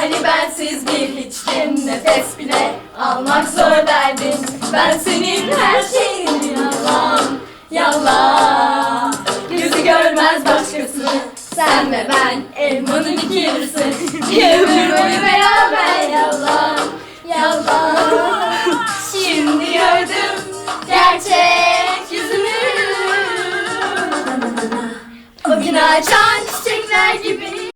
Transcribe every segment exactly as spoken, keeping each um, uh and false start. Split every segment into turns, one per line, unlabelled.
Hani bensiz bir hiçtim, nefes bile almak zor derdin. Ben senin her şeyin, yalan, yalan. Gözü görmez başkası, sen ve ben elmanın iki yarısı. Bir ömür boyu beraber, yalan, yalan. Şimdi gördüm gerçek yüzünü. O gün açan çiçekler gibi.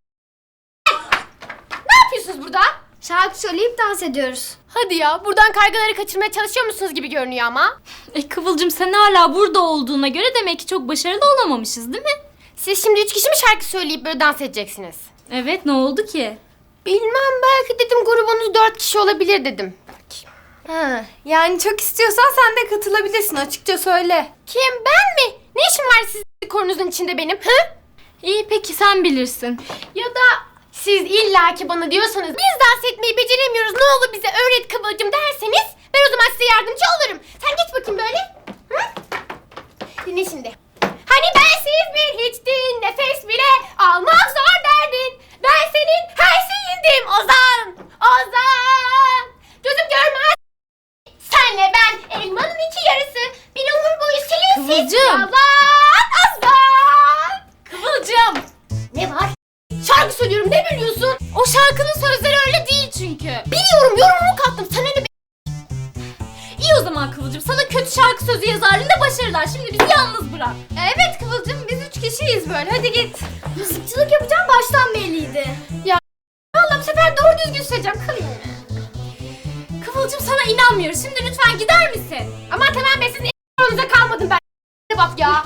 Ne yapıyorsunuz burada?
Şarkı söyleyip dans ediyoruz.
Hadi ya, buradan kargaları kaçırmaya çalışıyor musunuz gibi görünüyor ama.
E Kıvılcım, sen hala burada olduğuna göre demek ki çok başarılı olamamışız değil mi?
Siz şimdi üç kişi mi şarkı söyleyip böyle dans edeceksiniz?
Evet, ne oldu ki?
Bilmem, belki dedim grubunuz dört kişi olabilir dedim. Belki.
Ha, yani çok istiyorsan sen de katılabilirsin, açıkça söyle.
Kim, ben mi? Ne işim var sizin korunuzun içinde benim? Hı?
İyi, peki sen bilirsin.
Ya da siz illaki bana diyorsanız biz dans etmeyi beceremiyoruz, ne olur bize öğret Kıvılcım derseniz ben o zaman size yardımcı olurum. Sen geç bakayım böyle. Hı? Dinle şimdi. Hani bensiz bir hiçtin, nefes bile almak zor derdin. Ben senin her şeyindim Ozan, Ozan. Gözüm görmez. Senle ben elmanın iki yarısı. Bir ömür boyu silinsiz.
Kıvılcım.
Yalan Ozan.
Kıvılcım!
Ne var? Şarkı söylüyorum, ne biliyorsun?
O şarkının sözleri öyle değil çünkü.
Biliyorum, yorumumu kattım. Sana ne be?
İyi o zaman Kıvılcım, sana kötü şarkı sözü yazarlığında başarılar. Şimdi bizi yalnız bırak.
Evet Kıvılcım, biz üç kişiyiz böyle, hadi git.
Mızıkçılık yapacağım baştan belliydi.
Vallahi bu sefer doğru düzgün söyleyeceğim. Kılayım mı?
Kıvılcım, sana inanmıyoruz. Şimdi lütfen gider misin?
Aman tamam be, sizin elinizde kalmadım ben. Bak ya.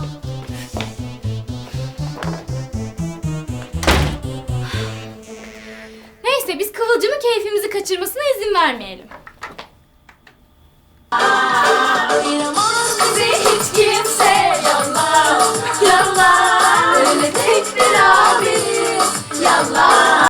Neyse, biz Kıvılcım'ın keyfimizi kaçırmasına izin vermeyelim.